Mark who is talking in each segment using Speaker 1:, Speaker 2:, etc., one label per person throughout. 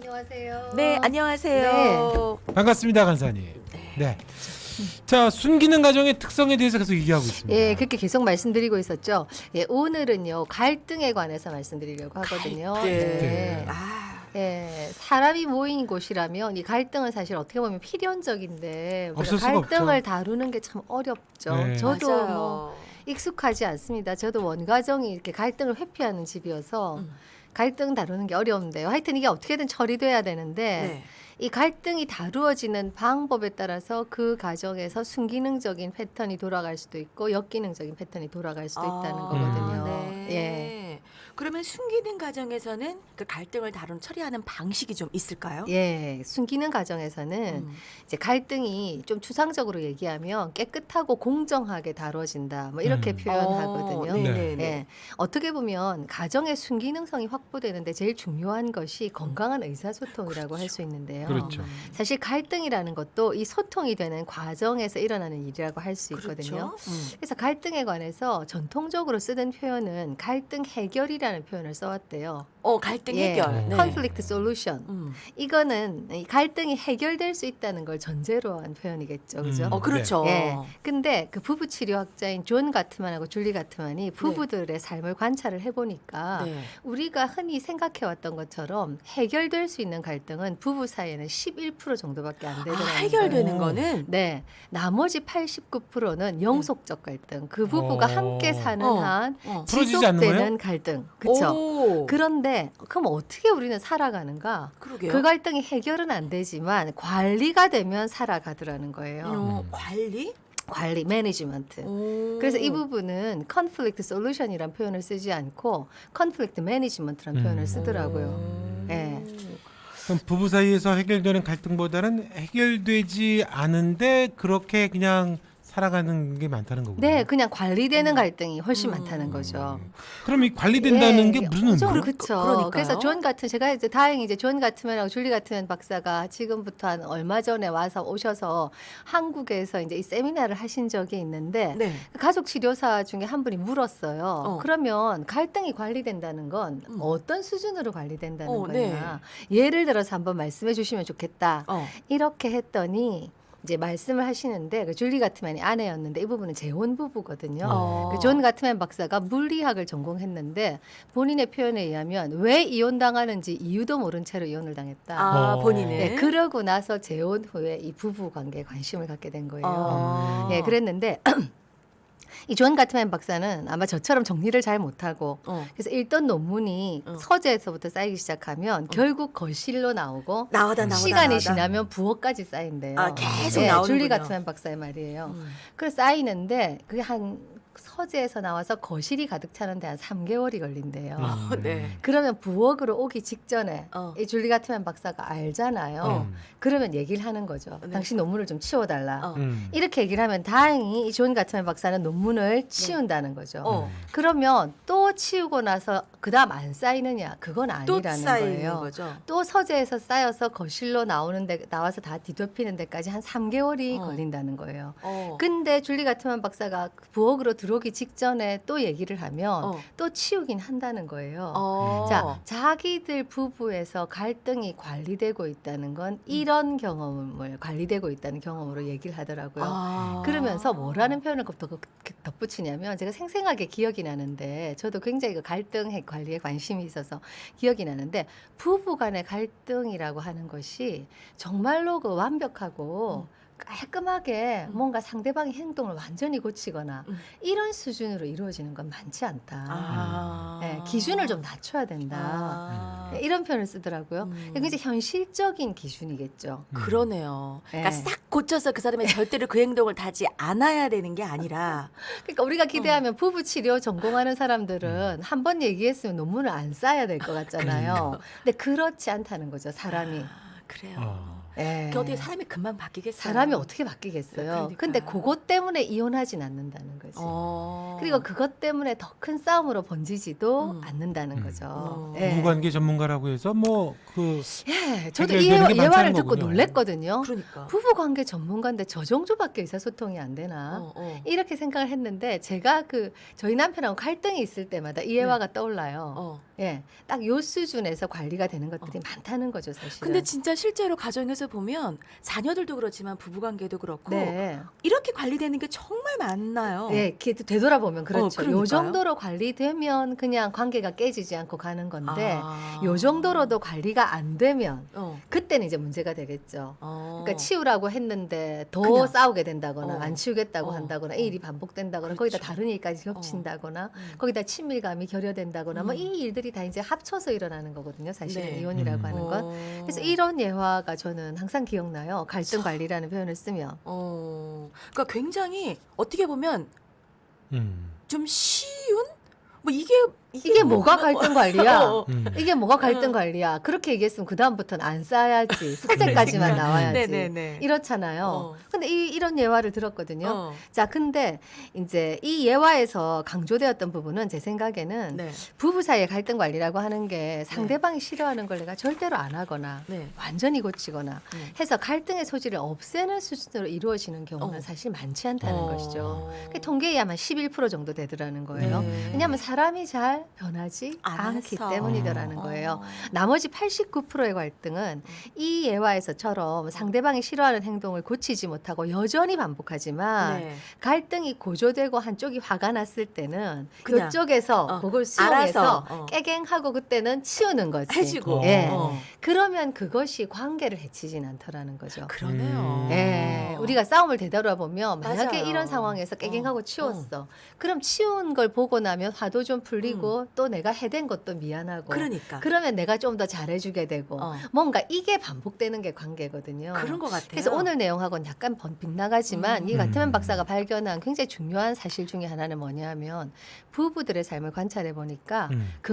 Speaker 1: 안녕하세요.
Speaker 2: 네, 안녕하세요.
Speaker 3: 반갑습니다, 간사님. 네. 자, 순기능 가정의 특성에 대해서 계속 얘기하고 있습니다.
Speaker 1: 예, 그렇게 계속 말씀드리고 있었죠. 예, 오늘은요 갈등에 관해서 말씀드리려고 하거든요.
Speaker 2: 네. 아,
Speaker 1: 예, 사람이 모인 곳이라면 이 갈등은 사실 어떻게 보면 필연적인데
Speaker 3: 없을 수가
Speaker 1: 갈등을
Speaker 3: 없죠.
Speaker 1: 다루는 게 참 어렵죠.
Speaker 3: 네.
Speaker 1: 저도
Speaker 2: 맞아요.
Speaker 1: 뭐 익숙하지 않습니다. 저도 원가정이 이렇게 갈등을 회피하는 집이어서 갈등 다루는 게 어려운데요. 하여튼 이게 어떻게든 처리돼야 되는데
Speaker 2: 네.
Speaker 1: 이 갈등이 다루어지는 방법에 따라서 그 가정에서 순기능적인 패턴이 돌아갈 수도 있고 역기능적인 패턴이 돌아갈 수도 있다는 거거든요.
Speaker 2: 네.
Speaker 1: 예.
Speaker 2: 그러면 순기능 가정에서는 그 갈등을 처리하는 방식이 좀 있을까요?
Speaker 1: 예, 순기능 가정에서는 이제 갈등이 좀 추상적으로 얘기하면 깨끗하고 공정하게 다뤄진다. 뭐 이렇게 표현하거든요.
Speaker 2: 네네네.
Speaker 1: 예, 어떻게 보면 가정의 순기능성이 확보되는데 제일 중요한 것이 건강한 의사소통이라고 할 수 있는데요.
Speaker 3: 그렇죠.
Speaker 1: 사실 갈등이라는 것도 이 소통이 되는 과정에서 일어나는 일이라고 할 수 있거든요.
Speaker 2: 그렇죠.
Speaker 1: 그래서 갈등에 관해서 전통적으로 쓰던 표현은 갈등 해결이라는 표현을 써왔대요.
Speaker 2: 갈등
Speaker 1: 예,
Speaker 2: 해결. 네.
Speaker 1: conflict solution.
Speaker 2: 음.
Speaker 1: 이거는 이 갈등이 해결될 수 있다는 걸 전제로 한 표현이겠죠. 그죠?
Speaker 2: 그렇죠.
Speaker 1: 예. 근데 그 부부 치료학자인 존 가트만하고 줄리 가트만이 부부들의 삶을 관찰을 해보니까
Speaker 2: 네.
Speaker 1: 우리가 흔히 생각해왔던 것처럼 해결될 수 있는 갈등은 부부 사이에는 11% 정도밖에 안 되더라고요.
Speaker 2: 해결되는
Speaker 3: 오.
Speaker 2: 거는
Speaker 1: 네, 나머지 89%는 영속적 갈등. 그 부부가 함께 사는
Speaker 2: 어.
Speaker 1: 한
Speaker 3: 풀어지지 않는
Speaker 1: 지속되는
Speaker 3: 거예요?
Speaker 1: 갈등. 그렇죠.
Speaker 2: 오.
Speaker 1: 그런데 그럼 어떻게 우리는 살아가는가?
Speaker 2: 그러게요.
Speaker 1: 그 갈등이 해결은 안 되지만 관리가 되면 살아가더라는 거예요.
Speaker 2: 관리?
Speaker 1: 관리, 매니지먼트.
Speaker 2: 오.
Speaker 1: 그래서 이 부분은 conflict solution이란 표현을 쓰지 않고 conflict management란 표현을 쓰더라고요. 예.
Speaker 3: 그럼 부부 사이에서 해결되는 갈등보다는 해결되지 않은데 그렇게 그냥 살아가는 게 많다는 거군요.
Speaker 1: 네, 그냥 관리되는 갈등이 훨씬 많다는 거죠.
Speaker 3: 그럼 이 관리된다는
Speaker 1: 예,
Speaker 3: 게 무슨 의미예요?
Speaker 1: 그렇죠.
Speaker 2: 그러니까요.
Speaker 1: 그래서 존 같은 제가 이제 다행히 이제 존 가트만하고 줄리 가트만 박사가 지금부터 한 얼마 전에 와서 오셔서 한국에서 이제 이 세미나를 하신 적이 있는데
Speaker 2: 네.
Speaker 1: 가족 치료사 중에 한 분이 물었어요.
Speaker 2: 어.
Speaker 1: 그러면 갈등이 관리된다는 건 어떤 수준으로 관리된다는 거냐?
Speaker 2: 네.
Speaker 1: 예를 들어서 한번 말씀해 주시면 좋겠다. 이렇게 했더니 이제 말씀을 하시는데 그 줄리 가트만이 아내였는데 이 부분은 재혼 부부거든요. 그 존 가트만 박사가 물리학을 전공했는데 본인의 표현에 의하면 왜 이혼 당하는지 이유도 모른 채로 이혼을 당했다.
Speaker 2: 본인은.
Speaker 1: 네, 그러고 나서 재혼 후에 이 부부 관계에 관심을 갖게 된 거예요. 예, 그랬는데 이 존 가트만 박사는 아마 저처럼 정리를 잘 못하고 그래서 읽던 논문이 서재에서부터 쌓이기 시작하면 결국 거실로 나오고
Speaker 2: 나오다
Speaker 1: 시간이 지나면 부엌까지 쌓인대요.
Speaker 2: 계속
Speaker 1: 네,
Speaker 2: 나오는군요.
Speaker 1: 줄리 가트만 박사의 말이에요. 그래서 쌓이는데 그게 한 서재에서 나와서 거실이 가득 차는데 한 3개월이 걸린대요.
Speaker 2: 네.
Speaker 1: 그러면 부엌으로 오기 직전에 이 줄리 가트만 박사가 알잖아요.
Speaker 3: 음.
Speaker 1: 그러면 얘기를 하는 거죠.
Speaker 2: 네.
Speaker 1: 당신 논문을 좀 치워달라.
Speaker 3: 음.
Speaker 1: 이렇게 얘기를 하면 다행히 이 존 가트만 박사는 논문을 치운다는 거죠. 그러면 또 치우고 나서 그다음 안 쌓이느냐? 그건
Speaker 2: 또
Speaker 1: 아니라는
Speaker 2: 쌓이는
Speaker 1: 거예요.
Speaker 2: 거죠.
Speaker 1: 또 서재에서 쌓여서 거실로 나와서 다 뒤덮이는 데까지 한 3개월이 걸린다는 거예요. 근데 줄리 가트만 박사가 부엌으로 들어오기 직전에 또 얘기를 하면 또 치우긴 한다는 거예요. 자, 자기들 부부에서 갈등이 관리되고 있다는 건 이런 경험을 관리되고 있다는 경험으로 얘기를 하더라고요. 그러면서 뭐라는 표현을 덧붙이냐면 제가 생생하게 기억이 나는데 저도 굉장히 그 갈등 관리에 관심이 있어서 기억이 나는데 부부 간의 갈등이라고 하는 것이 정말로 그 완벽하고 깔끔하게 뭔가 상대방의 행동을 완전히 고치거나 이런 수준으로 이루어지는 건 많지 않다. 네, 기준을 좀 낮춰야 된다. 네, 이런 표현을 쓰더라고요. 굉장히 현실적인 기준이겠죠.
Speaker 2: 그러네요. 그러니까
Speaker 1: 네.
Speaker 2: 싹 고쳐서 그 사람이 절대로 그 행동을 하지 않아야 되는 게 아니라
Speaker 1: 그러니까 우리가 기대하면 부부 치료 전공하는 사람들은 한 번 얘기했으면 논문을 안 써야 될 것 같잖아요. 근데 그렇지 않다는 거죠, 사람이.
Speaker 2: 그래요.
Speaker 1: 예.
Speaker 2: 그 어떻게 사람이 금방 바뀌겠어요?
Speaker 1: 사람이 어떻게 바뀌겠어요?
Speaker 2: 그러니까.
Speaker 1: 근데 그것 때문에 이혼하진 않는다는 거지.
Speaker 2: 어.
Speaker 1: 그리고 그것 때문에 더 큰 싸움으로 번지지도 않는다는
Speaker 3: 음.
Speaker 1: 거죠.
Speaker 3: 부부관계 전문가라고 해서 뭐그
Speaker 1: 예, 저도 이
Speaker 3: 해결되는 게 많지
Speaker 1: 예화를
Speaker 3: 않은
Speaker 1: 듣고
Speaker 3: 거군요.
Speaker 1: 놀랬거든요.
Speaker 2: 그러니까.
Speaker 1: 부부관계 전문가인데 저 정도밖에 의사소통이 안 되나? 이렇게 생각을 했는데 제가 저희 남편하고 갈등이 있을 때마다 이 예화가 떠올라요.
Speaker 2: 어.
Speaker 1: 예, 딱 요 수준에서 관리가 되는 것들이 많다는 거죠, 사실은.
Speaker 2: 근데 진짜 실제로 가정에서 보면 자녀들도 그렇지만 부부관계도 그렇고
Speaker 1: 네.
Speaker 2: 이렇게 관리되는 게 정말 많나요?
Speaker 1: 예, 이렇게 되돌아보면 그렇죠.
Speaker 2: 그러니까요.
Speaker 1: 요 정도로 관리되면 그냥 관계가 깨지지 않고 가는 건데
Speaker 2: 아.
Speaker 1: 요 정도로도 관리가 안 되면
Speaker 2: 어.
Speaker 1: 그때는 이제 문제가 되겠죠.
Speaker 2: 어.
Speaker 1: 그러니까 치우라고 했는데 더
Speaker 2: 그냥.
Speaker 1: 싸우게 된다거나
Speaker 2: 어.
Speaker 1: 안 치우겠다고
Speaker 2: 어.
Speaker 1: 한다거나
Speaker 2: 어.
Speaker 1: 이 일이 반복된다거나
Speaker 2: 그렇죠.
Speaker 1: 거기다 다른 일까지 겹친다거나 거기다 친밀감이 결여된다거나 뭐 이 일들이 다 이제 합쳐서 일어나는 거거든요. 사실
Speaker 2: 네.
Speaker 1: 이혼이라고 하는 건. 그래서 이런 예화가 저는 항상 기억나요. 갈등 관리라는 표현을 쓰면.
Speaker 2: 그러니까 굉장히 어떻게 보면
Speaker 3: 음.
Speaker 2: 좀 쉬운 뭐
Speaker 1: 이게 뭐가 갈등 관리야?
Speaker 2: 어.
Speaker 1: 이게 뭐가 갈등 관리야? 그렇게 얘기했으면 그 다음부터는 안 쌓아야지. 소재까지만
Speaker 2: 그러니까.
Speaker 1: 나와야지.
Speaker 2: 네네네.
Speaker 1: 이렇잖아요.
Speaker 2: 어.
Speaker 1: 근데 이런 예화를 들었거든요.
Speaker 2: 어.
Speaker 1: 자, 근데 이제 이 예화에서 강조되었던 부분은 제 생각에는
Speaker 2: 네.
Speaker 1: 부부 사이의 갈등 관리라고 하는 게 상대방이 싫어하는 걸 내가 절대로 안 하거나
Speaker 2: 네.
Speaker 1: 완전히 고치거나
Speaker 2: 네.
Speaker 1: 해서 갈등의 소지를 없애는 수준으로 이루어지는 경우는
Speaker 2: 어.
Speaker 1: 사실 많지 않다는
Speaker 2: 어.
Speaker 1: 것이죠. 그 통계에 아마 11% 정도 되더라는 거예요.
Speaker 2: 네.
Speaker 1: 왜냐하면 사람이 잘 변하지 않기
Speaker 2: 않아서.
Speaker 1: 때문이더라는 거예요.
Speaker 2: 어.
Speaker 1: 나머지 89%의 갈등은 이 예화에서처럼 상대방이 싫어하는 행동을 고치지 못하고 여전히 반복하지만
Speaker 2: 네.
Speaker 1: 갈등이 고조되고 한쪽이 화가 났을 때는
Speaker 2: 그냥,
Speaker 1: 그쪽에서 그걸 수용해서
Speaker 2: 알아서,
Speaker 1: 깨갱하고 그때는 치우는 거지.
Speaker 2: 해주고.
Speaker 1: 예.
Speaker 2: 어.
Speaker 1: 그러면 그것이 관계를 해치진 않더라는 거죠.
Speaker 2: 그러네요.
Speaker 1: 예, 우리가 싸움을 되돌아보면 만약에
Speaker 2: 맞아요.
Speaker 1: 이런 상황에서 깨갱하고
Speaker 2: 어,
Speaker 1: 치웠어. 그럼 치운 걸 보고 나면 화도 좀 풀리고 또 내가 해댄 것도 미안하고.
Speaker 2: 그러니까.
Speaker 1: 그러면 내가 좀 더 잘해주게 되고
Speaker 2: 어.
Speaker 1: 뭔가 이게 반복되는 게 관계거든요.
Speaker 2: 그런 것 같아요.
Speaker 1: 그래서 오늘 내용하고는 약간 빗나가지만 이 가트맨 박사가 발견한 굉장히 중요한 사실 중에 하나는 뭐냐면 부부들의 삶을 관찰해 보니까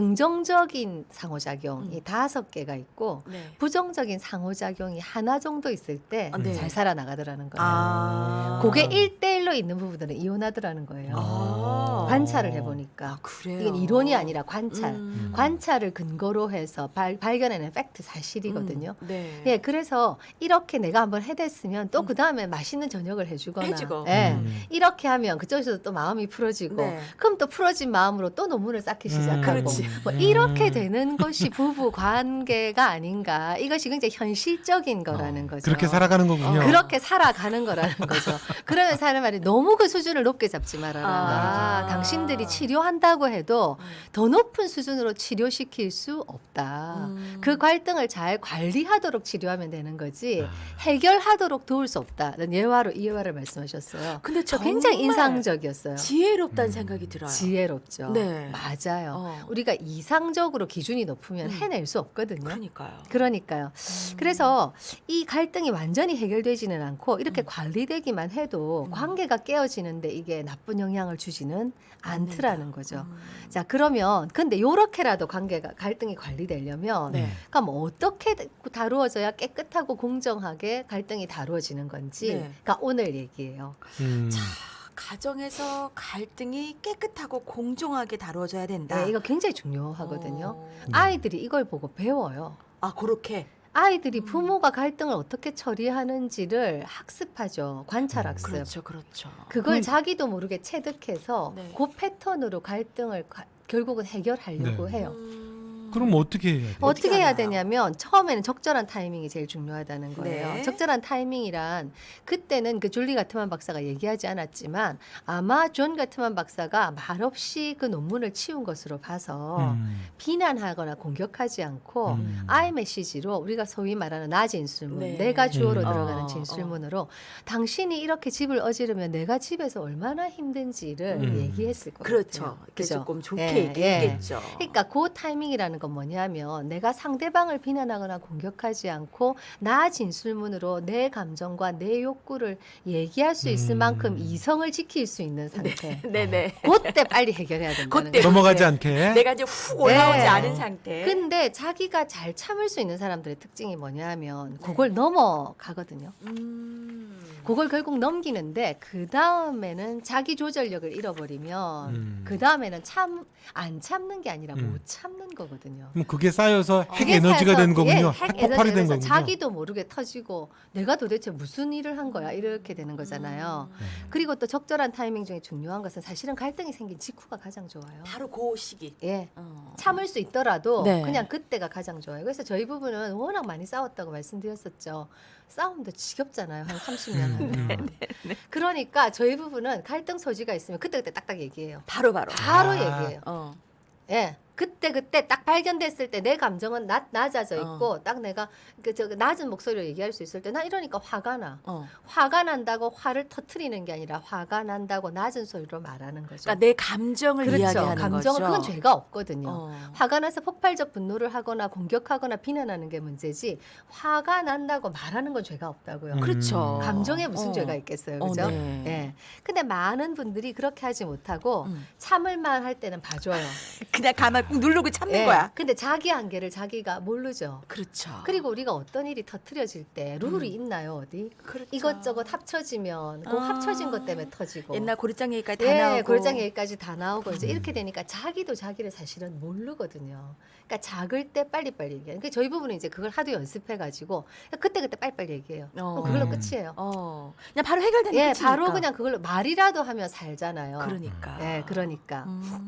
Speaker 1: 긍정적인 상호작용이 5개가 있고
Speaker 2: 네.
Speaker 1: 부정적인 상호작용이 하나 정도 있을 때 잘
Speaker 2: 네.
Speaker 1: 살아나가더라는 거예요.
Speaker 2: 아.
Speaker 1: 그게 1대1로 있는 부부들은 이혼하더라는 거예요.
Speaker 2: 아.
Speaker 1: 관찰을 해보니까.
Speaker 2: 그래요.
Speaker 1: 이건 이론이 아니라 관찰.
Speaker 2: 음.
Speaker 1: 관찰을 근거로 해서 발견해낸 팩트 사실이거든요.
Speaker 2: 네.
Speaker 1: 예, 그래서 이렇게 내가 한번 해댔으면 또 그 다음에 맛있는 저녁을 해주거나,
Speaker 2: 해주고.
Speaker 1: 예, 이렇게 하면 그쪽에서도 또 마음이 풀어지고,
Speaker 2: 네.
Speaker 1: 그럼 또 풀어진 마음으로 또 논문을 쌓기 시작하고,
Speaker 2: 그렇지.
Speaker 1: 뭐 이렇게 되는 것이 부부 관계가 아닌가. 이것이 굉장히 현실적인 거라는 거죠.
Speaker 3: 그렇게 살아가는 거군요.
Speaker 1: 그렇게 살아가는 거라는 거죠. 그러면 사는 말이 너무 그 수준을 높게 잡지 말아라.
Speaker 2: 아.
Speaker 1: 당신들이 치료한다고 해도 더 높은 수준으로 치료시킬 수 없다. 그 갈등을 잘 관리하도록 치료하면 되는 거지 해결하도록 도울 수 없다. 이 예화를 말씀하셨어요.
Speaker 2: 근데
Speaker 1: 저 굉장히
Speaker 2: 정말
Speaker 1: 인상적이었어요.
Speaker 2: 지혜롭다는 생각이 들어요.
Speaker 1: 지혜롭죠.
Speaker 2: 네.
Speaker 1: 맞아요.
Speaker 2: 어.
Speaker 1: 우리가 이상적으로 기준이 높으면 해낼 수 없거든요.
Speaker 2: 그러니까요.
Speaker 1: 그러니까요. 그래서 이 갈등이 완전히 해결되지는 않고 이렇게 관리되기만 해도 관계가 깨어지는데 이게 나쁜 영향을 주지는 않더라는 거죠. 자, 그러면 근데 요렇게라도 갈등이 관리되려면
Speaker 2: 네.
Speaker 1: 그러니까 뭐 어떻게 다루어져야 깨끗하고 공정하게 갈등이 다루어지는 건지
Speaker 2: 네.
Speaker 1: 그러니까 오늘 얘기예요.
Speaker 2: 가정에서 갈등이 깨끗하고 공정하게 다루어져야 된다.
Speaker 1: 네, 이거 굉장히 중요하거든요.
Speaker 2: 어.
Speaker 1: 아이들이 이걸 보고 배워요.
Speaker 2: 아, 그렇게.
Speaker 1: 아이들이 부모가 갈등을 어떻게 처리하는지를 학습하죠. 관찰 학습.
Speaker 2: 그렇죠, 그렇죠.
Speaker 1: 그걸 자기도 모르게 체득해서
Speaker 2: 네.
Speaker 1: 그 패턴으로 갈등을 결국은 해결하려고
Speaker 3: 네.
Speaker 1: 해요.
Speaker 3: 그럼 어떻게 해야 돼요?
Speaker 1: 어떻게 해야
Speaker 2: 하나요?
Speaker 1: 되냐면 처음에는 적절한 타이밍이 제일 중요하다는 거예요.
Speaker 2: 네.
Speaker 1: 적절한 타이밍이란 그때는 그 줄리 가트만 박사가 얘기하지 않았지만 아마 존 가트만 박사가 말없이 그 논문을 치운 것으로 봐서 비난하거나 공격하지 않고 아이 메시지로 우리가 소위 말하는 나 진술문,
Speaker 2: 네.
Speaker 1: 내가 주어로
Speaker 3: 음.
Speaker 1: 들어가는 진술문으로 당신이 이렇게 집을 어지르면 내가 집에서 얼마나 힘든지를 얘기했을 거예요.
Speaker 2: 그렇죠. 이렇게
Speaker 1: 그죠?
Speaker 2: 조금 좋게
Speaker 1: 예,
Speaker 2: 얘기했겠죠.
Speaker 1: 그러니까 그 타이밍이라는 건 뭐냐면 내가 상대방을 비난하거나 공격하지 않고 나 진술문으로 내 감정과 내 욕구를 얘기할 수 있을 만큼 이성을 지킬 수 있는 상태.
Speaker 2: 네네.
Speaker 1: 그때 빨리 해결해야 된다는
Speaker 2: 그때
Speaker 1: 거예요.
Speaker 3: 넘어가지 않게.
Speaker 2: 내가 이제 훅 올라오지
Speaker 1: 네.
Speaker 2: 않은 상태.
Speaker 1: 근데 자기가 잘 참을 수 있는 사람들의 특징이 뭐냐면 그걸 넘어가거든요. 그걸 결국 넘기는데 그 다음에는 자기 조절력을 잃어버리면 그 다음에는 안 참는 게 아니라 못 참는 거거든요.
Speaker 3: 그럼 그게 쌓여서 핵
Speaker 1: 그게
Speaker 3: 에너지가
Speaker 1: 쌓여서,
Speaker 3: 되는 거군요.
Speaker 1: 핵
Speaker 3: 핵폭발이 된
Speaker 1: 에너지가
Speaker 3: 거군요.
Speaker 1: 자기도 모르게 터지고 내가 도대체 무슨 일을 한 거야 이렇게 되는 거잖아요. 그리고 또 적절한 타이밍 중에 중요한 것은 사실은 갈등이 생긴 직후가 가장 좋아요.
Speaker 2: 바로 그 시기.
Speaker 1: 예. 참을 수 있더라도
Speaker 2: 네.
Speaker 1: 그냥 그때가 가장 좋아요. 그래서 저희 부부는 워낙 많이 싸웠다고 말씀드렸었죠. 싸움도 지겹잖아요. 한 30년 하면. 그러니까 저희 부부는 갈등 소지가 있으면 그때그때 딱딱 얘기해요.
Speaker 2: 바로.
Speaker 1: 바로 얘기해요.
Speaker 2: 어.
Speaker 1: 예. 그때 딱 발견됐을 때 내 감정은 낮아져 있고 딱 내가 저 낮은 목소리로 얘기할 수 있을 때 나 이러니까 화가 나. 화가 난다고 화를 터트리는 게 아니라 화가 난다고 낮은 소리로 말하는 거죠.
Speaker 2: 그러니까 내 감정을
Speaker 1: 그렇죠.
Speaker 2: 이야기하는
Speaker 1: 감정은
Speaker 2: 거죠.
Speaker 1: 그건 죄가 없거든요. 화가 나서 폭발적 분노를 하거나 공격하거나 비난하는 게 문제지 화가 난다고 말하는 건 죄가 없다고요.
Speaker 2: 그렇죠.
Speaker 1: 감정에 무슨 죄가 있겠어요. 그죠?
Speaker 2: 네.
Speaker 1: 예. 근데 많은 분들이 그렇게 하지 못하고 참을만 할 때는 봐줘요.
Speaker 2: 그냥 가만 꾹 누르고 참는
Speaker 1: 예.
Speaker 2: 거야.
Speaker 1: 근데 자기 한계를 자기가 모르죠.
Speaker 2: 그렇죠.
Speaker 1: 그리고 우리가 어떤 일이 터트려질 때 룰이 있나요, 어디?
Speaker 2: 그렇죠.
Speaker 1: 이것저것 합쳐지면 그 합쳐진 것 때문에 터지고.
Speaker 2: 옛날 고리장 얘기까지 다
Speaker 1: 예,
Speaker 2: 나오고.
Speaker 1: 골장 얘기까지 다 나오고 이제 이렇게 되니까 자기도 자기를 사실은 모르거든요. 그러니까 작을 때 빨리빨리 얘기해요. 그러니까 저희 부부는 이제 그걸 하도 연습해가지고 그때 빨리빨리 얘기해요. 그럼 그걸로 끝이에요.
Speaker 2: 그냥 바로 해결되는
Speaker 1: 예,
Speaker 2: 끝이니까.
Speaker 1: 바로 그냥 그걸로 말이라도 하면 살잖아요.
Speaker 2: 그러니까.
Speaker 1: 예, 그러니까.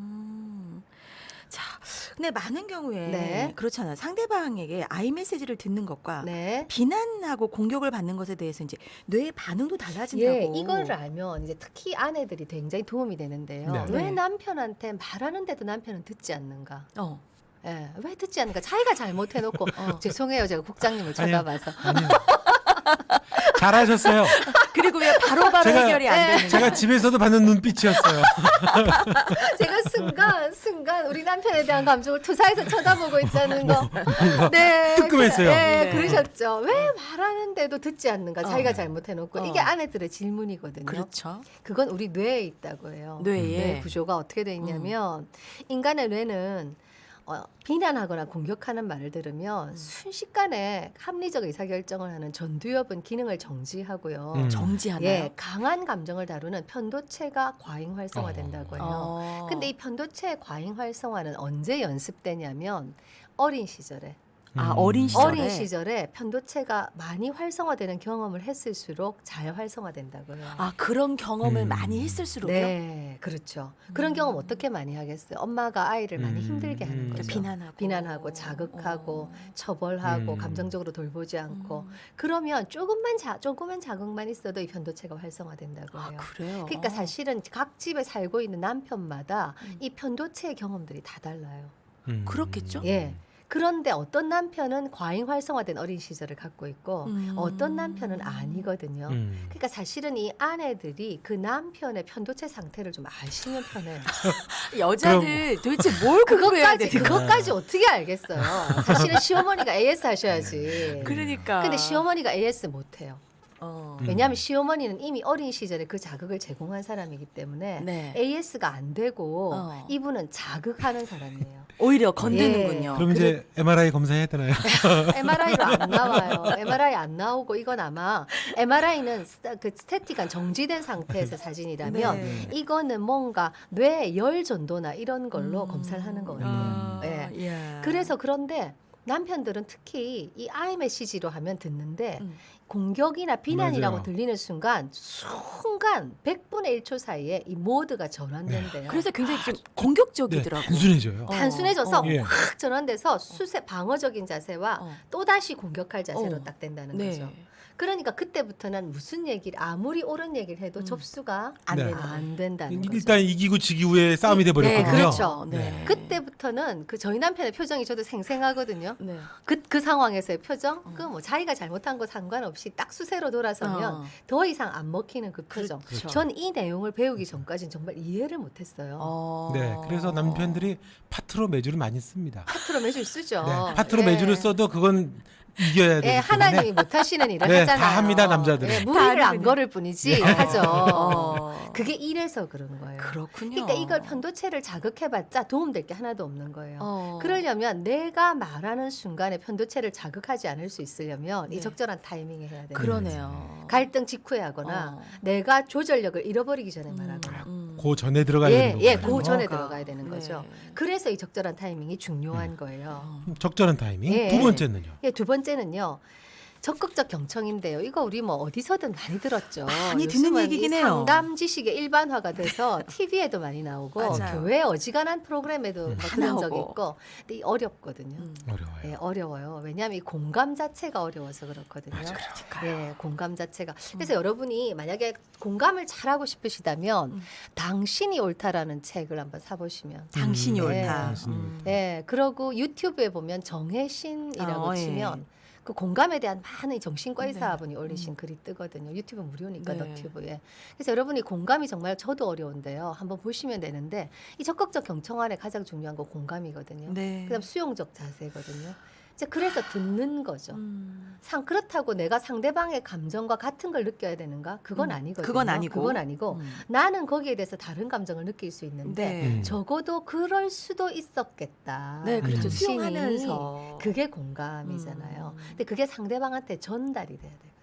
Speaker 2: 자, 근데 많은 경우에
Speaker 1: 네.
Speaker 2: 그렇잖아요. 상대방에게 아이 메시지를 듣는 것과
Speaker 1: 네.
Speaker 2: 비난하고 공격을 받는 것에 대해서 이제 뇌의 반응도 달라진다고.
Speaker 1: 예, 이거를 알면 이제 특히 아내들이 굉장히 도움이 되는데요.
Speaker 3: 네.
Speaker 1: 왜
Speaker 2: 네.
Speaker 1: 남편한테 말하는데도 남편은 듣지 않는가?
Speaker 2: 어.
Speaker 1: 예, 왜 듣지 않는가? 자기가 잘못해놓고 죄송해요, 제가 국장님을
Speaker 3: 아니요.
Speaker 1: 쳐다봐서.
Speaker 3: 아니요. 잘하셨어요.
Speaker 2: 그리고 왜 바로바로
Speaker 3: 제가-
Speaker 2: 해결이 안 되는
Speaker 3: 제가 집에서도 받는 눈빛이었어요.
Speaker 1: 제가 순간 우리 남편에 대한 감정을 투사해서 쳐다보고 있다는 거. 네,
Speaker 3: 뜨끔했어요.
Speaker 1: 네,
Speaker 2: 네.
Speaker 1: 그러셨죠. 왜 말하는데도 듣지 않는가? 자기가 잘못해놓고 이게
Speaker 2: 어.
Speaker 1: 아내들의 질문이거든요.
Speaker 2: 그렇죠.
Speaker 1: 그건 우리 뇌에 있다고 해요.
Speaker 2: 뇌에.
Speaker 1: 뇌 구조가 어떻게 돼 있냐면 인간의 뇌는 비난하거나 공격하는 말을 들으면 순식간에 합리적 의사결정을 하는 전두엽은 기능을 정지하고요.
Speaker 2: 정지하나요?
Speaker 1: 예, 강한 감정을 다루는 편도체가 과잉 활성화된다고 해요.
Speaker 2: 어.
Speaker 1: 근데 이 편도체의 과잉 활성화는 언제 연습되냐면 어린 시절에.
Speaker 2: 어린 시절에.
Speaker 1: 어린 시절에 편도체가 많이 활성화되는 경험을 했을수록 잘 활성화된다고요.
Speaker 2: 그런 경험을 많이 했을수록요.
Speaker 1: 네, 그렇죠. 그런 경험 어떻게 많이 하겠어요? 엄마가 아이를 많이 힘들게 하는 거죠. 비난하고 자극하고 처벌하고 감정적으로 돌보지 않고 그러면 조금만 자극만 있어도 이 편도체가 활성화된다고 해요.
Speaker 2: 그래요.
Speaker 1: 그러니까 사실은 각 집에 살고 있는 남편마다 이 편도체의 경험들이 다 달라요.
Speaker 2: 그렇겠죠?
Speaker 1: 예. 그런데 어떤 남편은 과잉 활성화된 어린 시절을 갖고 있고 어떤 남편은 아니거든요. 그러니까 사실은 이 아내들이 그 남편의 편도체 상태를 좀 아시는 편이에요.
Speaker 2: 여자들 도대체 뭘 공부해야 돼?
Speaker 1: 그것까지 어떻게 알겠어요? 사실은 시어머니가 AS 하셔야지.
Speaker 2: 그러니까.
Speaker 1: 근데 시어머니가 AS 못해요. 왜냐하면 시어머니는 이미 어린 시절에 그 자극을 제공한 사람이기 때문에
Speaker 2: 네.
Speaker 1: AS가 안 되고 이분은 자극하는 사람이에요.
Speaker 2: 오히려 건드는군요.
Speaker 3: 그럼 이제 MRI 검사해야 되나요?
Speaker 1: MRI로 안 나와요. MRI 안 나오고 이건 아마 MRI는 그 스태틱한 정지된 상태에서 사진이라면
Speaker 2: 네.
Speaker 1: 이거는 뭔가 뇌 열 전도나 이런 걸로 검사를 하는 거거든요. 예.
Speaker 2: 예.
Speaker 1: 그래서 그런데 남편들은 특히 이 아이 메시지로 하면 듣는데 공격이나 비난이라고
Speaker 3: 맞아요.
Speaker 1: 들리는 순간 100분의 1초 사이에 이 모드가 전환된대요.
Speaker 2: 그래서 굉장히 좀
Speaker 3: 네,
Speaker 2: 공격적이더라고.
Speaker 3: 단순해져요.
Speaker 1: 단순해져서
Speaker 3: 예.
Speaker 1: 확 전환돼서 방어적인 자세와 또다시 공격할 자세로
Speaker 2: 어.
Speaker 1: 딱 된다는
Speaker 2: 네.
Speaker 1: 거죠. 그러니까 그때부터는 무슨 얘기를 아무리 옳은 얘기를 해도 접수가
Speaker 2: 안
Speaker 3: 네.
Speaker 2: 되는
Speaker 1: 안 된다는 거죠.
Speaker 3: 일단 이기고 지기 후에 싸움이 돼 버렸거든요.
Speaker 1: 네, 그렇죠.
Speaker 2: 네.
Speaker 1: 그때부터는 그 저희 남편의 표정이 저도 생생하거든요.
Speaker 2: 네.
Speaker 1: 그 상황에서의 표정, 그 뭐 자기가 잘못한 거 상관없이 딱 수세로 돌아서면 더 이상 안 먹히는 그 표정.
Speaker 2: 그렇죠.
Speaker 1: 전 이 내용을 배우기 전까지는 정말 이해를 못했어요.
Speaker 3: 네, 그래서 남편들이 파트로 매주를 많이 씁니다.
Speaker 1: 파트로 매주 쓰죠.
Speaker 3: 네, 파트로
Speaker 1: 예.
Speaker 3: 매주를 써도 그건 이겨야 되기
Speaker 1: 예,
Speaker 3: 때문에
Speaker 1: 하나님이 못하시는 일을
Speaker 3: 네,
Speaker 1: 하잖아요.
Speaker 3: 다 합니다, 남자들은.
Speaker 1: 예, 무리를
Speaker 2: 다
Speaker 1: 안 걸을 뿐이지
Speaker 3: 네.
Speaker 1: 하죠. 그게 이래서 그런 거예요.
Speaker 2: 그렇군요.
Speaker 1: 그러니까 이걸 편도체를 자극해봤자 도움될 게 하나도 없는 거예요.
Speaker 2: 어.
Speaker 1: 그러려면 내가 말하는 순간에 편도체를 자극하지 않을 수 있으려면
Speaker 2: 네.
Speaker 1: 이 적절한 타이밍에 해야 돼요.
Speaker 2: 그러네요.
Speaker 1: 갈등 직후에 하거나 내가 조절력을 잃어버리기 전에 말하거나.
Speaker 3: 그 전에 들어가야 되는
Speaker 1: 예,
Speaker 3: 거예요.
Speaker 1: 그 전에
Speaker 2: 뭐가.
Speaker 1: 들어가야 되는 거죠.
Speaker 2: 네.
Speaker 1: 그래서 이 적절한 타이밍이 중요한 거예요.
Speaker 3: 적절한 타이밍.
Speaker 1: 예.
Speaker 3: 두 번째는요.
Speaker 1: 예, 두 번째는요. 적극적 경청인데요. 이거 우리 뭐 어디서든 많이 들었죠.
Speaker 2: 많이 듣는
Speaker 1: 요즘은
Speaker 2: 얘기긴
Speaker 1: 이
Speaker 2: 해요.
Speaker 1: 상담 지식의 일반화가 돼서 TV에도 많이 나오고
Speaker 2: 맞아요.
Speaker 1: 교회 어지간한 프로그램에도 뭐
Speaker 2: 다
Speaker 1: 들은 적이
Speaker 2: 나오고.
Speaker 1: 있고 근데 이 어렵거든요.
Speaker 3: 어려워요.
Speaker 1: 예, 어려워요. 왜냐하면 이 공감 자체가 어려워서 그렇거든요.
Speaker 2: 그러니까요.
Speaker 1: 예, 공감 자체가. 그래서 여러분이 만약에 공감을 잘하고 싶으시다면 당신이 옳다라는 책을 한번 사보시면.
Speaker 2: 당신이
Speaker 1: 네.
Speaker 2: 옳다.
Speaker 3: 당신이 옳다.
Speaker 1: 예, 그러고 유튜브에 보면 정혜신이라고
Speaker 2: 예.
Speaker 1: 치면 그 공감에 대한 많은 정신과
Speaker 2: 네.
Speaker 1: 의사분이 올리신 글이 뜨거든요. 유튜브 무료니까
Speaker 2: 네.
Speaker 1: 너튜브에. 그래서 여러분이 공감이 정말 저도 어려운데요. 한번 보시면 되는데 이 적극적 경청 안에 가장 중요한 건 공감이거든요.
Speaker 2: 네.
Speaker 1: 그다음 수용적 자세거든요. 이제 그래서 듣는 거죠.
Speaker 2: 음.
Speaker 1: 그렇다고 내가 상대방의 감정과 같은 걸 느껴야 되는가? 그건 아니거든요.
Speaker 2: 그건 아니고.
Speaker 1: 그건 아니고 나는 거기에 대해서 다른 감정을 느낄 수 있는데
Speaker 2: 네.
Speaker 1: 적어도 그럴 수도 있었겠다.
Speaker 2: 네, 그렇죠.
Speaker 1: 당신이
Speaker 2: 수용하면서
Speaker 1: 그게 공감이잖아요. 근데 그게 상대방한테 전달이 돼야 돼요.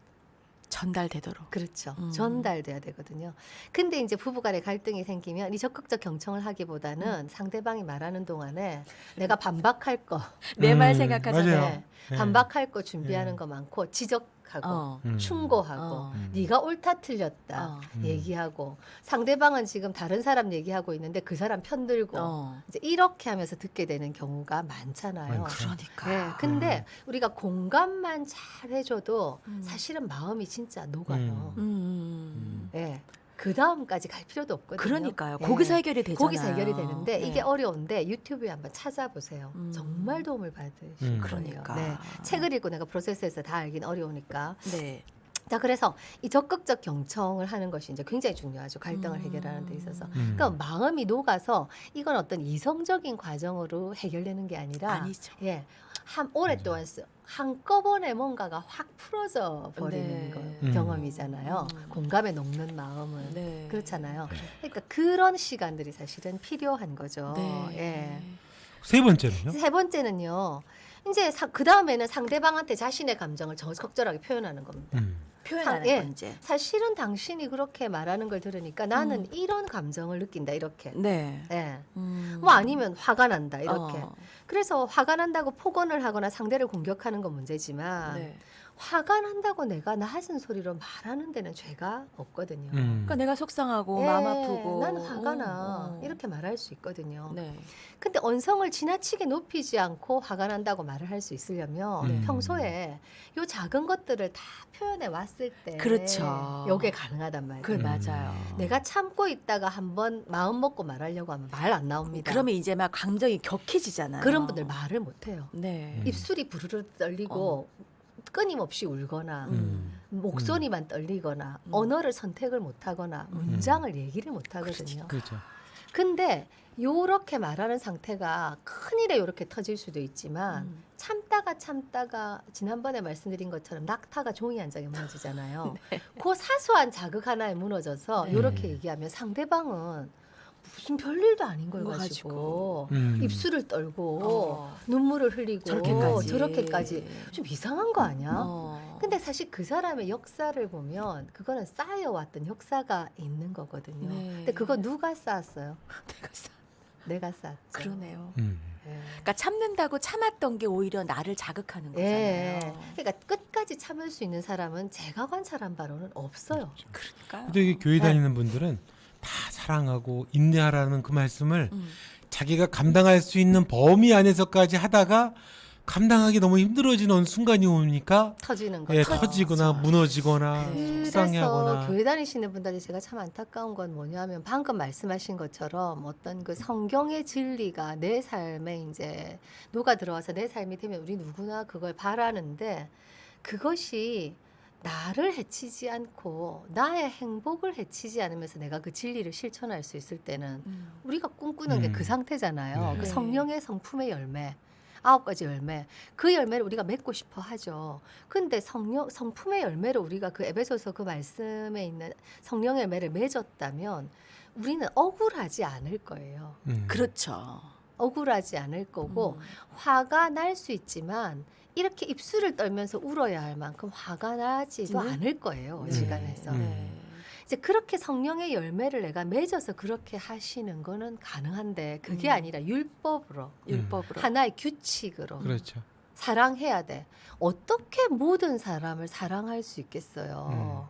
Speaker 2: 전달되도록.
Speaker 1: 그렇죠. 전달돼야 되거든요. 근데 이제 부부간에 갈등이 생기면 이 적극적 경청을 하기보다는 상대방이 말하는 동안에 내가 반박할 거,
Speaker 2: 내 말
Speaker 3: 음,
Speaker 2: 생각하잖아요.
Speaker 3: 맞아요.
Speaker 1: 네,
Speaker 3: 네.
Speaker 1: 반박할 거 준비하는
Speaker 3: 네.
Speaker 1: 거 많고 지적하고
Speaker 2: 어.
Speaker 1: 충고하고
Speaker 2: 어.
Speaker 1: 네가 옳다 틀렸다
Speaker 2: 어.
Speaker 1: 얘기하고 상대방은 지금 다른 사람 얘기하고 있는데 그 사람 편들고 이제 이렇게 하면서 듣게 되는 경우가 많잖아요.
Speaker 3: 많죠.
Speaker 2: 그러니까.
Speaker 1: 네, 근데 우리가 공감만 잘 해줘도 사실은 마음이 진짜 녹아요. 예. 그 다음까지 갈 필요도 없거든요.
Speaker 2: 그러니까요.
Speaker 1: 예.
Speaker 2: 거기서 해결이 되잖아요.
Speaker 1: 거기서 해결이 되는데
Speaker 2: 네.
Speaker 1: 이게 어려운데 유튜브에 한번 찾아보세요.
Speaker 2: 음.
Speaker 1: 정말 도움을 받으실 거예요.
Speaker 2: 그러니까.
Speaker 1: 네. 책을 읽고 내가 프로세스에서 다 알긴 어려우니까.
Speaker 2: 네.
Speaker 1: 자, 그래서 이 적극적 경청을 하는 것이 이제 굉장히 중요하죠. 갈등을 해결하는 데 있어서. 그러니까 마음이 녹아서 이건 어떤 이성적인 과정으로 해결되는 게 아니라
Speaker 2: 아니죠.
Speaker 1: 예. 오랫동안 한꺼번에 뭔가가 확 풀어져 버리는
Speaker 2: 네.
Speaker 1: 거, 경험이잖아요. 공감에 녹는 마음은.
Speaker 2: 네.
Speaker 1: 그렇잖아요. 그러니까 그런 시간들이 사실은 필요한 거죠.
Speaker 2: 네.
Speaker 3: 세 번째는요?
Speaker 1: 세 번째는요. 이제 그 다음에는 상대방한테 자신의 감정을 적절하게 표현하는 겁니다.
Speaker 2: 표현하는
Speaker 1: 예.
Speaker 2: 건지.
Speaker 1: 사실은 당신이 그렇게 말하는 걸 들으니까 나는 이런 감정을 느낀다 이렇게.
Speaker 2: 네.
Speaker 1: 예. 뭐 아니면 화가 난다 이렇게.
Speaker 2: 어.
Speaker 1: 그래서 화가 난다고 폭언을 하거나 상대를 공격하는 건 문제지만
Speaker 2: 네.
Speaker 1: 화가 난다고 내가 낮은 소리로 말하는 데는 죄가 없거든요.
Speaker 2: 그러니까 내가 속상하고
Speaker 1: 예,
Speaker 2: 마음 아프고
Speaker 1: 나는 화가 나
Speaker 2: 어.
Speaker 1: 이렇게 말할 수 있거든요.
Speaker 2: 네.
Speaker 1: 근데 언성을 지나치게 높이지 않고 화가 난다고 말을 할 수 있으려면
Speaker 3: 네.
Speaker 1: 평소에 요 작은 것들을 다 표현해 왔을 때
Speaker 2: 그렇죠.
Speaker 1: 요게 가능하단 말이에요.
Speaker 2: 그 맞아요.
Speaker 1: 내가 참고 있다가 한번 마음 먹고 말하려고 하면 말 안 나옵니다.
Speaker 2: 그러면 이제 막 감정이 격해지잖아요.
Speaker 1: 그런 분들 말을 못 해요.
Speaker 2: 네.
Speaker 1: 입술이 부르르 떨리고 끊임없이 울거나 목소리만 떨리거나 언어를 선택을 못 하거나 문장을 얘기를 못 하거든요.
Speaker 3: 그렇죠.
Speaker 1: 근데 요렇게 말하는 상태가 큰일에 요렇게 터질 수도 있지만 참다가 지난번에 말씀드린 것처럼 낙타가 종이 한 장에 무너지잖아요. 그 사소한 자극 하나에 무너져서 요렇게 얘기하면 상대방은 무슨 별일도 아닌 걸
Speaker 2: 거
Speaker 1: 가지고
Speaker 3: 가지고.
Speaker 1: 입술을 떨고 눈물을 흘리고 저렇게까지 좀 이상한 거 아니야? 근데 사실 그 사람의 역사를 보면 그거는 쌓여왔던 역사가 있는 거거든요.
Speaker 2: 네.
Speaker 1: 근데 그거 누가 쌓았어요? 내가 쌓았죠.
Speaker 2: 그러네요.
Speaker 1: 예.
Speaker 2: 그러니까 참는다고 참았던 게 오히려 나를 자극하는 거잖아요.
Speaker 1: 예. 그러니까 끝까지 참을 수 있는 사람은 제가 관찰한 바로는 없어요.
Speaker 2: 그러니까.
Speaker 3: 근데 이게 교회 다니는 분들은 다 사랑하고 인내하라는 그 말씀을 자기가 감당할 수 있는 범위 안에서까지 하다가 감당하기 너무 힘들어지는 순간이 오니까
Speaker 1: 터지는 거죠.
Speaker 3: 예, 터지거나 무너지거나
Speaker 2: 네.
Speaker 3: 속상해하거나.
Speaker 1: 그래서 교회 다니시는 분들이 제가 참 안타까운 건 뭐냐면 방금 말씀하신 것처럼 어떤 그 성경의 진리가 내 삶에 이제 녹아 들어와서 내 삶이 되면 우리 누구나 그걸 바라는데 그것이 나를 해치지 않고 나의 행복을 해치지 않으면서 내가 그 진리를 실천할 수 있을 때는 우리가 꿈꾸는 게 그 상태잖아요.
Speaker 3: 네.
Speaker 1: 그
Speaker 2: 네.
Speaker 1: 성령의 성품의 열매. 9가지 열매. 그 열매를 우리가 맺고 싶어 하죠. 근데 성품의 열매로 우리가 그 에베소서 그 말씀에 있는 성령의 열매를 맺었다면 우리는 억울하지 않을 거예요.
Speaker 2: 그렇죠.
Speaker 1: 억울하지 않을 거고 화가 날 수 있지만 이렇게 입술을 떨면서 울어야 할 만큼 화가 나지도
Speaker 2: 네.
Speaker 1: 않을 거예요.
Speaker 3: 네.
Speaker 1: 시간에서.
Speaker 2: 네.
Speaker 1: 이제 그렇게 성령의 열매를 내가 맺어서 그렇게 하시는 거는 가능한데 그게 아니라 율법으로
Speaker 2: 율법으로.
Speaker 1: 하나의 규칙으로
Speaker 3: 그렇죠.
Speaker 1: 사랑해야 돼. 어떻게 모든 사람을 사랑할 수 있겠어요?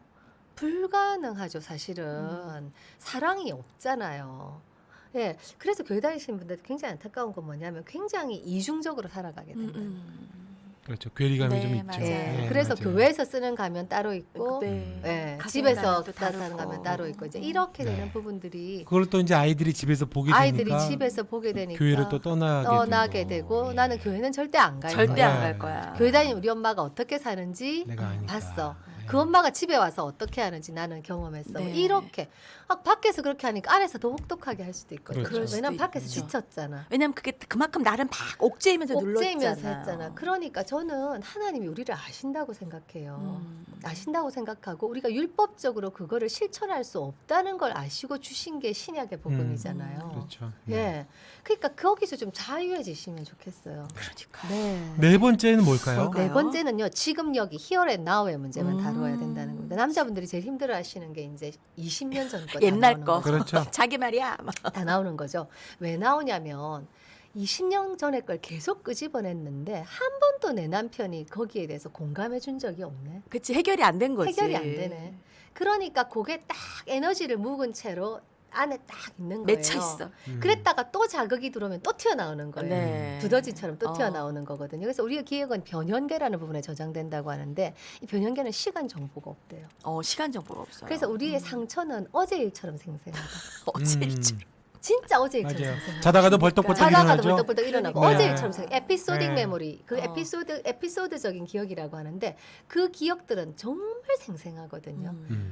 Speaker 1: 불가능하죠, 사실은. 사랑이 없잖아요. 예, 그래서 교회 다니시는 분들 굉장히 안타까운 건 뭐냐면 굉장히 이중적으로 살아가게 된다.
Speaker 3: 그렇죠. 괴리감이
Speaker 2: 네,
Speaker 3: 좀 있죠.
Speaker 2: 맞아요.
Speaker 1: 예,
Speaker 3: 네,
Speaker 1: 그래서
Speaker 3: 맞아요.
Speaker 1: 교회에서 쓰는 가면 따로 있고,
Speaker 2: 네.
Speaker 1: 예,
Speaker 2: 가정에
Speaker 1: 집에서
Speaker 2: 가면 또
Speaker 1: 사는
Speaker 2: 다르고.
Speaker 1: 가면 따로 있고 이제 이렇게
Speaker 3: 네.
Speaker 1: 되는 부분들이
Speaker 3: 그걸 또 이제 아이들이 집에서 보게
Speaker 1: 아이들이
Speaker 3: 되니까
Speaker 1: 집에서 보게 되니까
Speaker 3: 교회를 또 떠나게
Speaker 1: 되고
Speaker 3: 예.
Speaker 1: 나는 교회는 절대 안 갈
Speaker 2: 절대
Speaker 1: 거야.
Speaker 2: 안 갈 거야.
Speaker 1: 교회 다니면 우리 엄마가 어떻게 사는지
Speaker 3: 내가 아니까.
Speaker 1: 봤어.
Speaker 3: 예.
Speaker 1: 그 엄마가 집에 와서 어떻게 하는지 나는 경험했어.
Speaker 2: 네.
Speaker 1: 이렇게 밖에서 그렇게 하니까 안에서 더 혹독하게 할 수도 있거든.
Speaker 3: 그렇죠. 그럴
Speaker 1: 왜냐면
Speaker 2: 수도
Speaker 1: 밖에서
Speaker 2: 있죠.
Speaker 1: 지쳤잖아.
Speaker 2: 왜냐면 그게 그만큼 나를 막 옥죄이면서
Speaker 1: 옥죄이면서
Speaker 2: 눌렀잖아요.
Speaker 1: 했잖아. 그러니까 저는 하나님이 우리를 아신다고 생각해요.
Speaker 2: 음.
Speaker 1: 아신다고 생각하고 우리가 율법적으로 그거를 실천할 수 없다는 걸 아시고 주신 게 신약의 복음이잖아요.
Speaker 3: 그렇죠.
Speaker 1: 예, 그러니까 거기서 좀 자유해지시면 좋겠어요.
Speaker 2: 그러니까.
Speaker 1: 네.
Speaker 3: 네 번째는 뭘까요?
Speaker 2: 뭘까요?
Speaker 1: 네 번째는요. 지금 여기 here and now의 문제만
Speaker 2: 음.
Speaker 1: 다루어야 된다는 겁니다. 남자분들이 제일 힘들어하시는 게 이제 20년 전 거
Speaker 2: 옛날 거.
Speaker 3: 그렇죠.
Speaker 2: 자기 말이야. 막.
Speaker 1: 다 나오는 거죠. 왜 나오냐면 20년 전에 걸 계속 끄집어냈는데 한 번도 내 남편이 거기에 대해서 공감해 준 적이 없네.
Speaker 2: 그치 해결이 안 된 거지.
Speaker 1: 해결이 안 되네. 그러니까 그게 딱 에너지를 묵은 채로 안에 딱 있는 거예요.
Speaker 2: 맺혀 있어.
Speaker 1: 그랬다가 또 자극이 들어오면 또 튀어나오는 거예요.
Speaker 2: 네.
Speaker 1: 두더지처럼 또
Speaker 2: 어.
Speaker 1: 튀어나오는 거거든요. 그래서 우리의 기억은 변형계라는 부분에 저장된다고 하는데 이 변형계는 시간 정보가 없대요.
Speaker 2: 시간 정보가 없어요.
Speaker 1: 그래서 우리의 상처는 어제 일처럼 생생하다.
Speaker 2: 어제 일처럼.
Speaker 1: 진짜 어제 일처럼
Speaker 3: 맞아요.
Speaker 1: 생생하다.
Speaker 3: 자다가도 벌떡벌떡
Speaker 1: 자다가도
Speaker 3: 일어나죠.
Speaker 1: 벌떡벌떡 일어나고
Speaker 3: 네.
Speaker 1: 어제 일처럼 생각. 에피소딕
Speaker 3: 네.
Speaker 1: 메모리, 그
Speaker 2: 어.
Speaker 1: 에피소드적인 기억이라고 하는데 그 기억들은 정말 생생하거든요.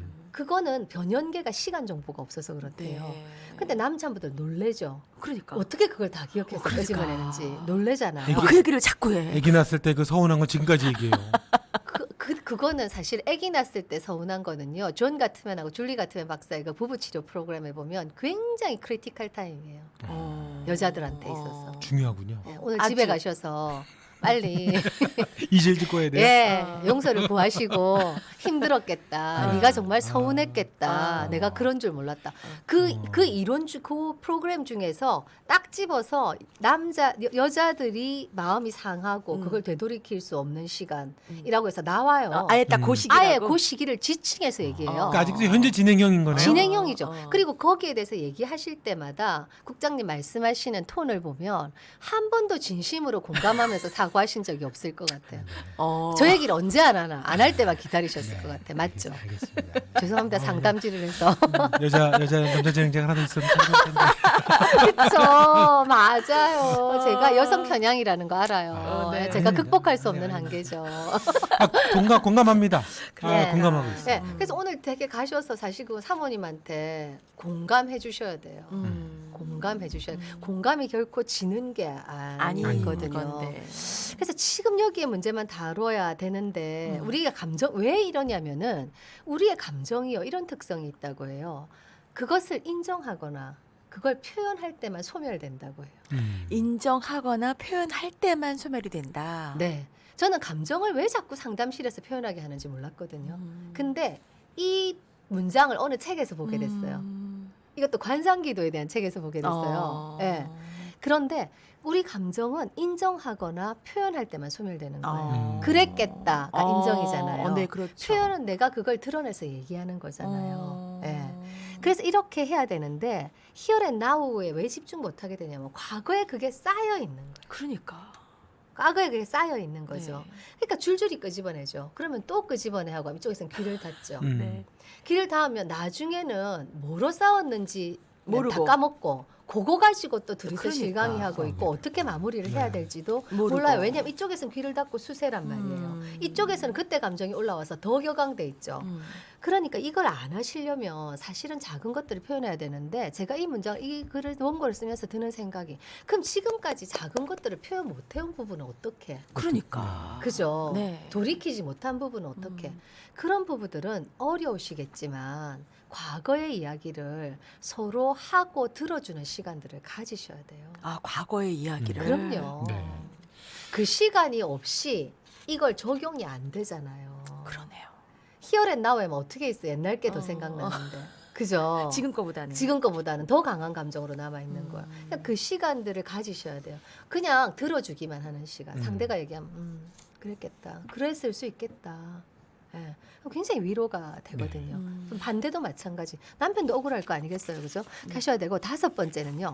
Speaker 1: 그거는 변형계가 시간 정보가 없어서 그렇대요.
Speaker 2: 네.
Speaker 1: 근데 남자분들 놀래죠.
Speaker 2: 그러니까.
Speaker 1: 어떻게 그걸 다 기억해서
Speaker 2: 그러니까.
Speaker 1: 끄집어내는지 놀래잖아요.
Speaker 2: 그 얘기를 자꾸 해.
Speaker 3: 아기 낳았을 때 그 서운한 거 지금까지 얘기해요.
Speaker 1: 그거는 사실 아기 낳았을 때 서운한 거는요. 존 가트맨하고 줄리 가트맨 박사의 그 부부 치료 프로그램에 보면 굉장히 크리티컬 타임이에요. 여자들한테 있어서.
Speaker 3: 중요하군요.
Speaker 1: 네, 오늘
Speaker 2: 아주.
Speaker 1: 집에 가셔서 빨리
Speaker 3: 이질 짓고 해야 돼요.
Speaker 1: 예, 용서를 구하시고 힘들었겠다. 네가 정말 서운했겠다.
Speaker 2: 아.
Speaker 1: 내가 그런 줄 몰랐다. 그 이론 그 프로그램 중에서 딱 집어서 여자들이 마음이 상하고 그걸 되돌이킬 수 없는 시간이라고 해서 나와요.
Speaker 2: 아예 딱 그 시기라고.
Speaker 1: 아예 그 시기를 지칭해서 얘기해요.
Speaker 3: 그러니까 아직도 현재 진행형인 거네요.
Speaker 1: 진행형이죠.
Speaker 2: 어.
Speaker 1: 그리고 거기에 대해서 얘기하실 때마다 국장님 말씀하시는 톤을 보면 한 번도 진심으로 공감하면서 사과하신 적이 없을 것 같아요. 저 얘기를 언제 안 하나 안 할 때만 기다리셨을 것 같아요. 맞죠?
Speaker 3: 알겠습니다.
Speaker 1: 죄송합니다. 상담질을 해서.
Speaker 3: 여자 남자 진행자가 하나 더 있으면 참 텐데.
Speaker 1: 그렇죠. 맞아요. 제가 여성 편향이라는 거 알아요.
Speaker 2: 네.
Speaker 1: 제가
Speaker 3: 아닙니다.
Speaker 1: 극복할 수 없는
Speaker 3: 아닙니다.
Speaker 1: 한계죠.
Speaker 3: 공감합니다.
Speaker 1: 네.
Speaker 3: 공감하고 있어요.
Speaker 1: 네, 그래서 오늘 되게 가셔서 사실 그 사모님한테 공감해 주셔야 돼요. 공감해 주셔야 돼요. 공감이 결코 지는 게 아니거든요.
Speaker 2: 건데.
Speaker 1: 그래서 지금 여기에 문제만 다뤄야 되는데 우리가 왜 이러냐면은 우리의 감정이요 이런 특성이 있다고 해요. 그것을 인정하거나 그걸 표현할 때만 소멸된다고 해요.
Speaker 2: 인정하거나 표현할 때만 소멸이 된다.
Speaker 1: 네, 저는 감정을 왜 자꾸 상담실에서 표현하게 하는지 몰랐거든요. 근데 이 문장을 어느 책에서 보게 됐어요. 이것도 관상기도에 대한 책에서 보게 됐어요. 네. 그런데 우리 감정은 인정하거나 표현할 때만 소멸되는 거예요. 그랬겠다가 인정이잖아요.
Speaker 2: 네, 그렇죠.
Speaker 1: 표현은 내가 그걸 드러내서 얘기하는 거잖아요. 예. 그래서 이렇게 해야 되는데 here and now에 왜 집중 못하게 되냐면 과거에 그게 쌓여 있는 거예요.
Speaker 2: 그러니까.
Speaker 1: 과거에 그게 쌓여 있는 거죠.
Speaker 2: 네.
Speaker 1: 그러니까 줄줄이 끄집어내죠. 그러면 또 끄집어내 하고 이쪽에서는 귀를 닫죠.
Speaker 2: 네.
Speaker 1: 귀를 닫으면 나중에는 뭐로 싸웠는지
Speaker 2: 모르고.
Speaker 1: 다 까먹고 그거 가지고 또 둘이서
Speaker 2: 그러니까.
Speaker 1: 실강이하고 있고 어떻게 마무리를 해야
Speaker 3: 네.
Speaker 1: 될지도
Speaker 2: 모르고.
Speaker 1: 몰라요. 왜냐하면 이쪽에서는 귀를 닫고 수세란 말이에요. 이쪽에서는 그때 감정이 올라와서 더 격앙돼 있죠. 그러니까 이걸 안 하시려면 사실은 작은 것들을 표현해야 되는데 제가 이 문장 이 글을 원고를 쓰면서 드는 생각이 그럼 지금까지 작은 것들을 표현 못 해온 부분은 어떻게?
Speaker 2: 그러니까.
Speaker 1: 그죠?
Speaker 2: 네.
Speaker 1: 돌이키지 못한 부분은 어떻게? 그런 부분들은 어려우시겠지만 과거의 이야기를 서로 하고 들어주는 시간들을 가지셔야 돼요.
Speaker 2: 아, 과거의 이야기를.
Speaker 1: 그럼요.
Speaker 3: 네.
Speaker 1: 그 시간이 없이 이걸 적용이 안 되잖아요.
Speaker 2: 그러네요.
Speaker 1: 히어앤 나우에면 어떻게 있어? 옛날 게 더
Speaker 2: 어.
Speaker 1: 생각나는데. 그죠?
Speaker 2: 지금 거보다는.
Speaker 1: 지금 거보다는 더 강한 감정으로 남아 있는 거야. 그러니까 그 시간들을 가지셔야 돼요. 그냥 들어주기만 하는 시간. 상대가 얘기하면 그랬겠다. 그랬을 수 있겠다. 예. 굉장히 위로가 되거든요. 그럼 반대도 마찬가지. 남편도 억울할 거 아니겠어요, 그죠? 하셔야 되고 5번째는요.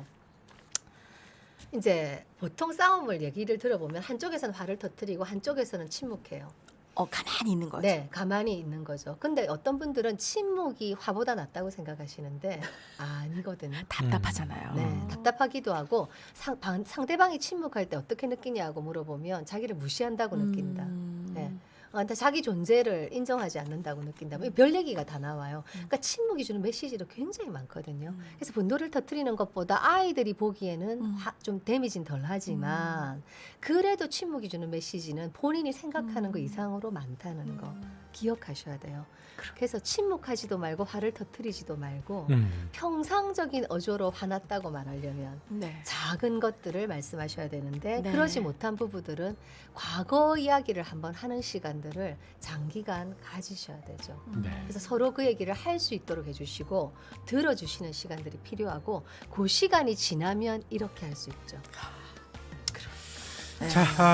Speaker 1: 이제 보통 싸움을 얘기를 들어보면 한쪽에서는 화를 터뜨리고 한쪽에서는 침묵해요.
Speaker 2: 가만히 있는 거죠.
Speaker 1: 네, 가만히 있는 거죠. 근데 어떤 분들은 침묵이 화보다 낫다고 생각하시는데 아니거든요.
Speaker 2: 답답하잖아요.
Speaker 1: 네, 답답하기도 하고 상대방이 침묵할 때 어떻게 느끼냐고 물어보면 자기를 무시한다고 느낀다. 네. 근데 자기 존재를 인정하지 않는다고 느낀다. 별 얘기가 다 나와요. 그러니까 침묵이 주는 메시지도 굉장히 많거든요. 그래서 분노를 터뜨리는 것보다 아이들이 보기에는 좀 데미지는 덜하지만 그래도 침묵이 주는 메시지는 본인이 생각하는 거 이상으로 많다는 거 기억하셔야 돼요. 그래서 침묵하지도 말고 화를 터뜨리지도 말고 평상적인 어조로 화났다고 말하려면
Speaker 2: 네.
Speaker 1: 작은 것들을 말씀하셔야 되는데
Speaker 2: 네.
Speaker 1: 그러지 못한 부부들은 과거 이야기를 한번 하는 시간들을 장기간 가지셔야 되죠.
Speaker 3: 네.
Speaker 1: 그래서 서로 그 얘기를 할 수 있도록 해주시고 들어주시는 시간들이 필요하고 그 시간이 지나면 이렇게 할 수 있죠.
Speaker 2: 네.
Speaker 3: 자,